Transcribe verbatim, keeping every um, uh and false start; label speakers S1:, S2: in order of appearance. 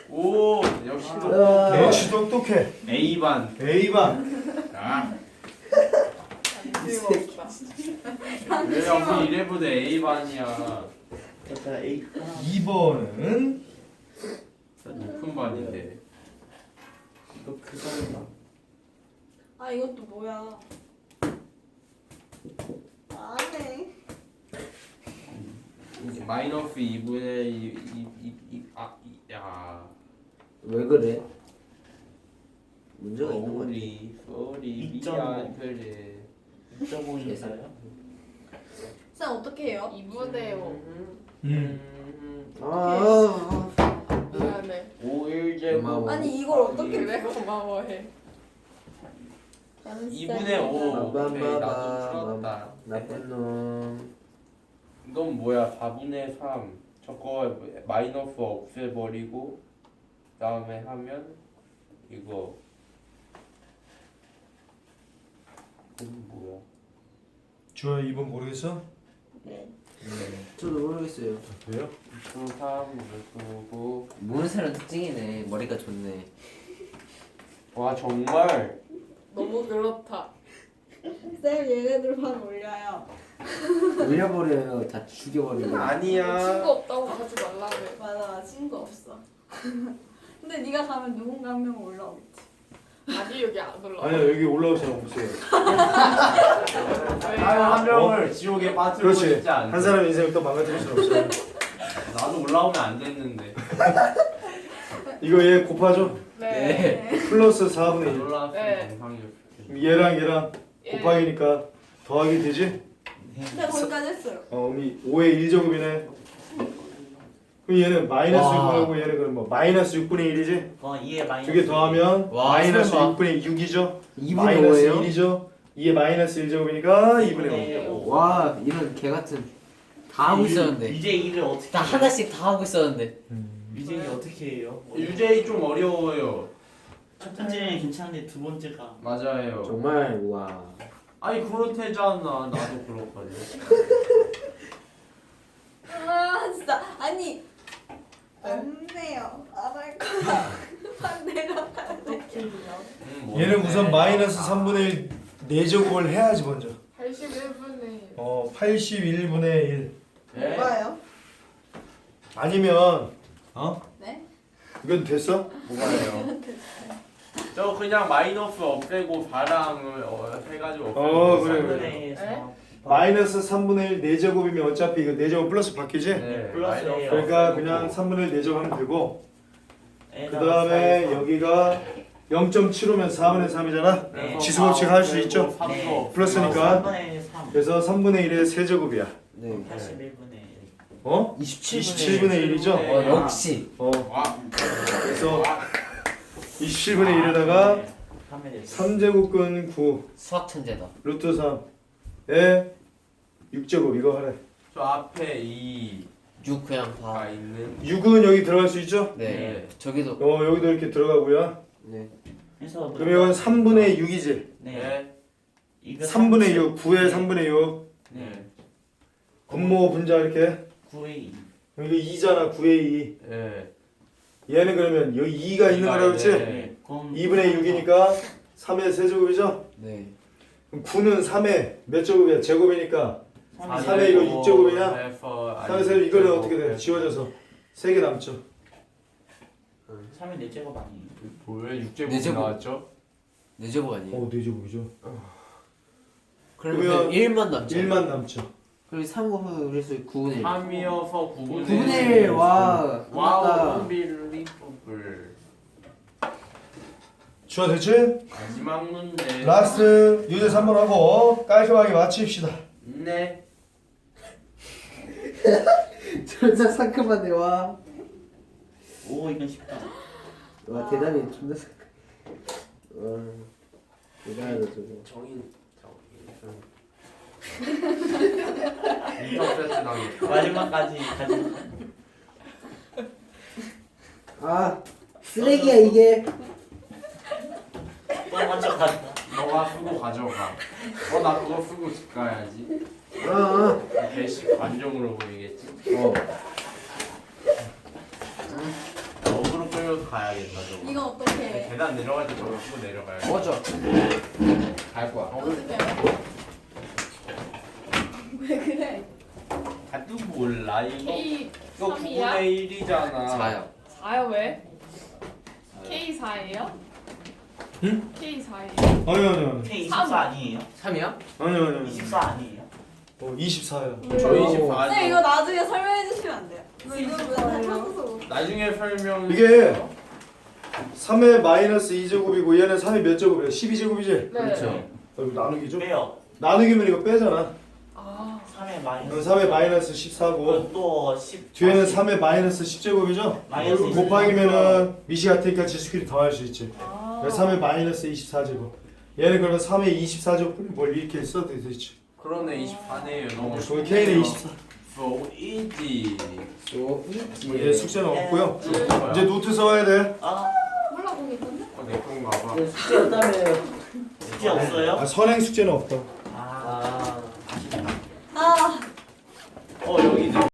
S1: 오 역시
S2: 아.
S1: 똑똑해.
S2: 역시 똑똑해.
S1: A반.
S2: A반.
S1: 아.
S3: 이
S1: 왜 우리 이래보다 A반이야.
S4: 자 A.
S2: 이 번은
S1: 높은 반인데.
S4: 이거 그거다.
S3: 아 이것도 뭐야? 안해.
S1: 마이너스 이분의 이이이아 야.
S5: 왜 그래? 문제가 있는 거지.
S1: 소리 소리
S4: 이 점 오.
S1: 미안 그래.
S4: 이 점 오 있어요?
S3: 쌤 어떻게 해요?
S6: 이분의 오.
S1: 음.
S5: 아,
S6: 미안해.
S1: 오일 제곱.
S5: 고마워.
S3: 아니 이걸 어떻게
S6: 그래 고마워해.
S1: 이분의 오. 오케이 나도
S5: 빰빰빰.
S1: 풀었다.
S5: 나쁜 놈.
S1: 이건 뭐야? 사분의 삼. 저거 마이너스 없애버리고 그다음에 하면 이거 이건 뭐야?
S2: 주아 이 번 모르겠어?
S3: 네.
S5: 저도 모르겠어요.
S1: 왜요? 삼 그리고
S5: 모르는 사람 특징이네. 머리가 좋네.
S1: 와 정말
S6: 너무 그렇다.
S3: 쌤 얘네들만 올려요.
S5: 올려버려요. 다 죽여버리고.
S6: 친구
S1: 아니야.
S6: 없다고 하지 말라며.
S3: 맞아 친구 없어. 근데 네가 가면 누군가 한 명 올라오겠지.
S6: 아니 여기 안 올라.
S2: 아니야 여기 올라올 사람 없어요.
S1: 한 명을 지옥에 빠뜨리고
S2: 그렇지.
S1: 싶지 않아.
S2: 한 사람 인생을 또 망가뜨릴 수는 없어요.
S1: 나도 올라오면 안 됐는데.
S2: 이거 얘 곱하죠?
S6: 네.
S2: 플러스 사분의 일.
S1: 올라왔으면
S6: 네.
S1: 정상이었어.
S2: 얘랑 얘랑
S6: 예.
S2: 곱하기니까 더하기 되지?
S3: 근데 거기까지 했어요.
S2: 어, 그럼 오의 일 제곱이네. 그럼 얘는 마이너스
S5: 와.
S2: 육분하고 얘는 그럼 뭐 마이너스 육분의 일이지?
S4: 어 이에 마이너스.
S2: 두 개 더하면
S5: 와,
S2: 마이너스
S5: 설마.
S2: 육분의 육이죠?
S5: 이분의
S2: 마이너스
S5: 오예요?
S2: 일이죠? 이에 마이너스 일 제곱이니까 이분의 오.
S5: 와, 이런 개 같은 다 하고 있었는데.
S4: 이제 일을 어떻게?
S5: 다 하나씩 다 하고 있었는데.
S4: 이제 일 어떻게 해요?
S1: 유제이 좀 어려워요.
S4: 첫 번째는 괜찮은데 두 번째가.
S1: 맞아요.
S5: 정말 와.
S1: 아니 그렇대잖아. 나도 그렇거든.
S3: 아 진짜 아니 안 돼요. 안 할 거야. 안 내려가야 돼.
S1: 음, 뭐
S2: 얘는
S1: 어때?
S2: 우선 마이너스 삼분의 일 네 제곱을 해야지 먼저.
S6: 팔십일 분의
S2: 어, 팔십일 분의 일.
S1: 네?
S3: 뭐가요?
S2: 아니면 어?
S3: 네?
S2: 이건 됐어?
S1: 뭐가요? 저 그냥 마이너스 없애고 사랑을 어, 해가지고 없애고
S2: 어, 그래,
S1: 살려요.
S2: 그래.
S4: 삼분의에서
S2: 마이너스 삼분의 일 네 제곱이면 어차피 이거 네 제곱 플러스 바뀌지?
S1: 네,
S4: 플러스예요.
S1: 마이너스
S2: 그러니까
S1: 없애고.
S2: 그냥 삼분의 일 네 제곱 하면 되고 그
S4: 에다가
S2: 다음에
S4: 사에서.
S2: 여기가 영 점 칠오면 사분의 삼이잖아?
S4: 네.
S2: 지수법칙 할 수
S1: 그리고
S2: 있죠?
S1: 삼도
S4: 네.
S1: 없애고.
S2: 플러스니까.
S4: 삼분의 삼.
S2: 그래서 삼분의 일의 세제곱이야.
S5: 네.
S4: 팔십일 분의 일.
S2: 어? 이십칠 분의 일이죠?
S5: 어, 역시.
S2: 어.
S1: 와.
S2: 그래서 이십칠 분의 일에다가
S4: 하면 되지.
S2: 삼 제곱근 구
S5: 수학 천재다.
S2: 루트 삼에 육 제곱 이거 하래.
S1: 저 앞에 이가
S5: 육 그냥 다.
S1: 있는.
S2: 육은 여기 들어갈 수 있죠?
S5: 네.
S1: 네.
S5: 저기도.
S2: 어 여기도 이렇게 들어가고요.
S5: 네.
S4: 그래서
S2: 그럼 이건 삼분의 육이지?
S4: 네.
S1: 네.
S4: 이거
S2: 삼분의
S4: 삼십.
S2: 육, 구의 삼분의 육
S4: 네.
S2: 분모 분자 이렇게
S4: 구의 이.
S2: 이거 이잖아 구의 이.
S1: 네.
S2: 얘는 그러면 여기 이가 있는 거라 그렇지?
S1: 네.
S4: 그럼
S2: 이분의 육이니까 삼의 세제곱이죠?
S5: 네.
S2: 그럼 구는 삼의 몇 제곱이야? 제곱이니까
S4: 삼의
S2: 삼의 이거 육 제곱이냐?
S1: 해서
S2: 삼의 세제곱 이거는 어떻게 돼? 지워져서 세 개 남죠?
S4: 삼의 네 제곱 아니에요?
S1: 왜 육 제곱
S5: 네 제곱.
S1: 나왔죠?
S5: 네 제곱 아니에요?
S2: 어, 네 제곱이죠.
S5: 그러면
S2: 그러면
S5: 일만 남죠.
S2: 일만 남죠.
S5: 그리고 삼 곱하기 그래서 구분의 일.
S1: 삼이어서 구분의
S5: 구분의 일. 와.
S1: 와우
S5: 끝났다.
S1: unbelievable.
S2: 주아 됐지?
S1: 마지막 문제.
S2: 라스트 유제 삼 번 하고 깔끔하게 마칩시다.
S1: 네.
S5: 진짜 상큼하네 와.
S4: 오 이건 쉽다.
S5: 와 대단히 존나 상큼. 와. 대단하다 저거.
S1: 정인 정인. 인터세트 당했다.
S4: 마지막까지 가지.
S5: 아 쓰레기야 이게.
S4: 또 먼저 가.
S1: 너가 쓰고 가져가. 어 나 그거 쓰고 집 가야지.
S5: 어. 어.
S1: 배식 관종으로 보이겠지.
S5: 어.
S1: 어그로 끌려서 가야겠다 저거.
S3: 이건 어떻게
S1: 계단 내려갈 때 저거 쓰고 내려가야 돼.
S2: 맞아. 갈 거야.
S3: 어떻게 해요? 왜 그래?
S1: 나도 몰라 이거.
S6: K
S1: 이거
S6: 삼이야?
S1: 구분의 일이잖아.
S7: 사요.
S6: 사요 왜? K 사예요?
S2: 응?
S6: K 사예요?
S2: 아니 아니 아니.
S4: K 이십사 아니에요?
S7: 삼이야?
S2: 아니 아니 아니.
S4: 이십사 아니에요?
S2: 어 이십사야.
S1: 저희 이십사
S3: 네
S1: 아니야.
S3: 이거 나중에 설명해 주시면 안 돼요?
S6: 왜
S3: 지금
S6: 이십사예요?
S3: 맨날 평소
S1: 나중에 설명.
S2: 이게 삼의 마이너스 이 제곱이고 얘는 삼의 몇 제곱이야? 십이 제곱이지?
S6: 네.
S7: 그렇죠.
S2: 어, 이거 나누기죠?
S4: 빼요.
S2: 나누기면 이거 빼잖아.
S6: 아
S4: 삼의
S2: 그럼
S4: 마이너스.
S2: 삼의 마이너스 십사고
S4: 또 십.
S2: 뒤에는 삼의 마이너스 십 제곱이죠?
S4: 마이너스
S2: 그리고 곱하기면은 미시 같으니까 지수끼리 더할 수 있지.
S6: 아.
S2: 그래서 삼의 마이너스 이십사 제곱. 얘는 그러면 삼의 이십사 제곱을 뭘 이렇게 써도 되지.
S1: 그러네 이십사네요. 너무
S2: 그럼 K는 이십사.
S1: So easy.
S7: 소
S2: 얘 숙제는 없고요.
S1: 뭐야?
S2: 이제 노트 써야 돼.
S4: 아
S3: 몰라 보기 건데?
S1: 어, 내 건가 봐.
S5: 숙제 없다며요.
S4: 숙제 없어요?
S2: 아, 선행 숙제는 없다.